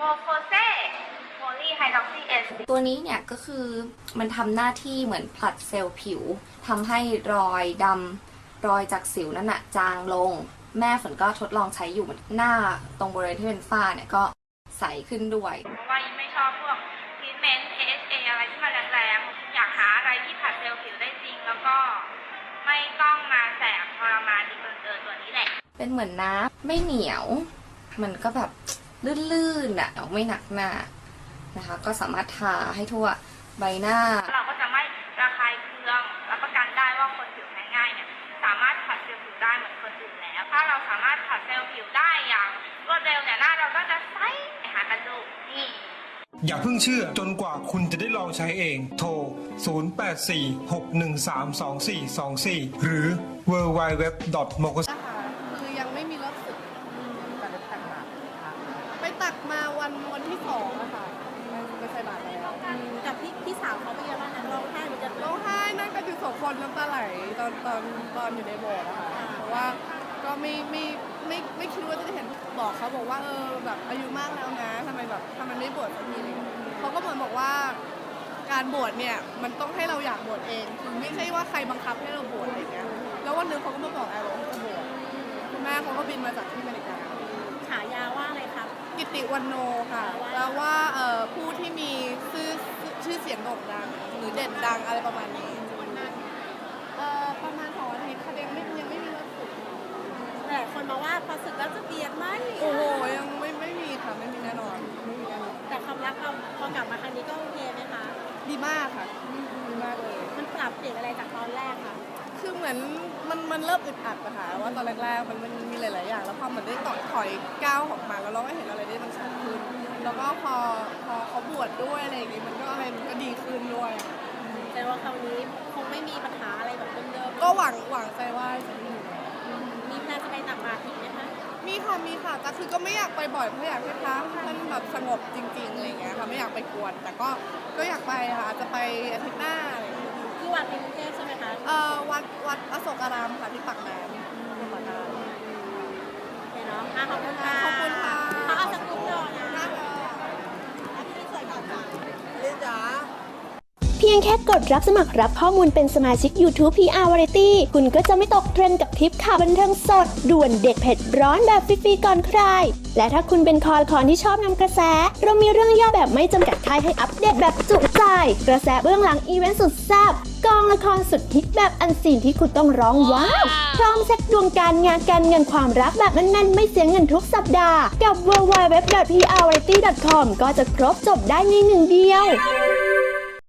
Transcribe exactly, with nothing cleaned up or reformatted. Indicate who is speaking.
Speaker 1: โฟเซโพลีไฮดรอกซีเอส
Speaker 2: ตัวนี้เนี่ยก็คือมันทำหน้าที่เหมือนผลัดเซลล์ผิวทำให้รอยดำรอยจากสิวนั่นน่ะจางลงแม่ฝนก็ทดลองใช้อยู่หน้าตรงบริเวณที่เป็นฝ้าเนี่ยก็ใสขึ้นด้วย
Speaker 1: เพราะว่ายิ่งไม่ชอบพวกทรีทเมนต์ เอ เอช เอ อะไรที่มันแรงๆอยากหาอะไรที่ผัดเซลล์ผิวได้จริงแล้วก็ไม่ต้องมาแสบทรมานดีเกินเกินตัวนี้แหละ
Speaker 2: เป็นเหมือนน้ำไม่เหนียวมันก็แบบลื่นๆอ่ะไม่หนักหน้านะคะก็สามารถทาให้ทั่วใบหน้า
Speaker 1: เราก็จะไม่ระคายเคืองรับประกันได้ว่าคนผิวแพ้ง่ายเนี่ยสามารถผัดเซลล์ผิวได้เหมือนคนอื่นแล้วถ้าเราสามารถผัดเซลล์ผิวได้อย่างรวดเร็วเนี่ยหน้าเราก็จะใสหากันดูนี่
Speaker 3: อย่าเพิ่งเชื่อจนกว่าคุณจะได้ลองใช้เองโทรศูนย์ แปด สี่ หก หนึ่ง สาม สอง สี่ สอง สี่หรือ ดับเบิลยู ดับเบิลยู ดับเบิลยู ดอท โมโกส
Speaker 4: คือยังไม่มีเลิกสึกแต่ไปตักบาตรไปตักมาวันวันที่สองอะค่ะไปใส่บาตรแล้ว
Speaker 5: กับพี่พี่สาวเขาเป็นยังไงบ้างนะร้องไห้หรือจะ
Speaker 4: ร้องไห้นั่งกันอยู่สองคนน้ำตาไหลตอนตอนตอนอยู่ในโบสถ์อะค่ะเพราะว่าก็ไม่ไม่ไม่ไม่คิดว่าจะเห็นบอกเขาบอกว่าเออแบบอายุมากแล้วนะทำไมแบบทำไมไม่บวชสักทีเลยเขาก็เหมือนบอกว่าการบวชเนี่ยมันต้องให้เราอยากบวชเองคือไม่ใช่ว่าใครบังคับให้เราบวชอะไรเงี้ยแล้ววันนึงเขาก็มาบอกแอร์ว่าจะบวชคุณแม่เขาก็บินมาจากที่อเมริกา
Speaker 5: ฉายาว่าอะไรครับ
Speaker 4: กิติวันโนค่ะแล้วว่าเอ่อผู้ที่มีชื่อชื่อเสียงโด่งดังหรือเด่นดังอะไรประมาณนี้เอ่อประมาณสองอาทิตย์ค่ะยังไม่ยังไม่มีเลิกสึก
Speaker 5: แต่คนมาว่าพอสึกแล้วจะเปลี่ยนไหม
Speaker 4: โอ้โหยังไม่ไม่มีค่ะไม่มีแน่นอนไม่มีแน่นอน
Speaker 5: แต่ความรักเราพอกลับมาครั้งนี้ก็โอเคไหมคะ
Speaker 4: ดีมากค่ะดีมากเลย
Speaker 5: มันปรับเปลี่ยนอะไรจากตอนแรกค่ะ
Speaker 4: คือเหมือนมันมันเริ่มอึดอัดอะค่ะว่าตอนแรกๆมันมันมีหลายๆอย่างแล้วพอเหมือนได้ต่อถอยก้าวออกมาแล้วเราก็เห็นอะไรได้มันชัดขึ้นแล้วก็พอพอเขาบวชด้วยอะไรอย่างงี้มันก็อะไรมันก็ดีขึ้นด้วย
Speaker 5: แต่ว่าคราวนี้คงไม่มีปัญหาอะไรแบบเดิม
Speaker 4: ๆก็หวังหวังใจว่าจะมี
Speaker 5: มีแพลนจะไปตักบาตรอีกไหมคะ
Speaker 4: มีค่ะมีค่ะแต่คือก็ไม่อยากไปบ่อยเพราะอยากให้พระท่านแบบสงบจริงๆอะไรอย่างเงี้ยค่ะไม่อยากไปกวนแต่ก็ก็อยากไปค่ะอาจจะไปอาทิตย์หน้าอะไรอย่างเงี้ย
Speaker 5: ที่วัดในกรุงเทพใช่ไหมคะ
Speaker 4: เอ่อวัดวัดอโศการามค่ะที่ปากน้ำที่ปากน้ำ
Speaker 5: โอเคเนาะขอบคุณค่ะ
Speaker 4: ขอบคุณค่ะ
Speaker 5: เขาเอาสกุลดอกนะ
Speaker 4: พี่สวยก่อนจ้ะลินจ๋า
Speaker 6: เพียงแค่กดรับสมัครรับข้อมูลเป็นสมาชิก YouTube พี อาร์ Variety คุณก็จะไม่ตกเทรนด์กับทริปข่าวบันเทิงสดด่วนเด็ดเผ็ดร้อนแบบฟรีๆก่อนใครและถ้าคุณเป็นคอละคอนที่ชอบนำกระแสเรามีเรื่องย่อแบบไม่จำกัดท้ายให้อัปเดตแบบจุใจกระแสเบื้องหลังอีเวนต์สุดแซ่บกองละครสุดฮิตแบบอันซีนที่คุณต้องร้องว้าวพร้อมเซ็ตดวงการงานการเงินความรักแบบแน่นๆไม่เสียเงินทุกสัปดาห์กับ ดับเบิลยู ดับเบิลยู ดับเบิลยู ดอท พี อาร์ วาไรตี้ ดอท คอม ก็จะครบจบได้ในหนึ่งเดียว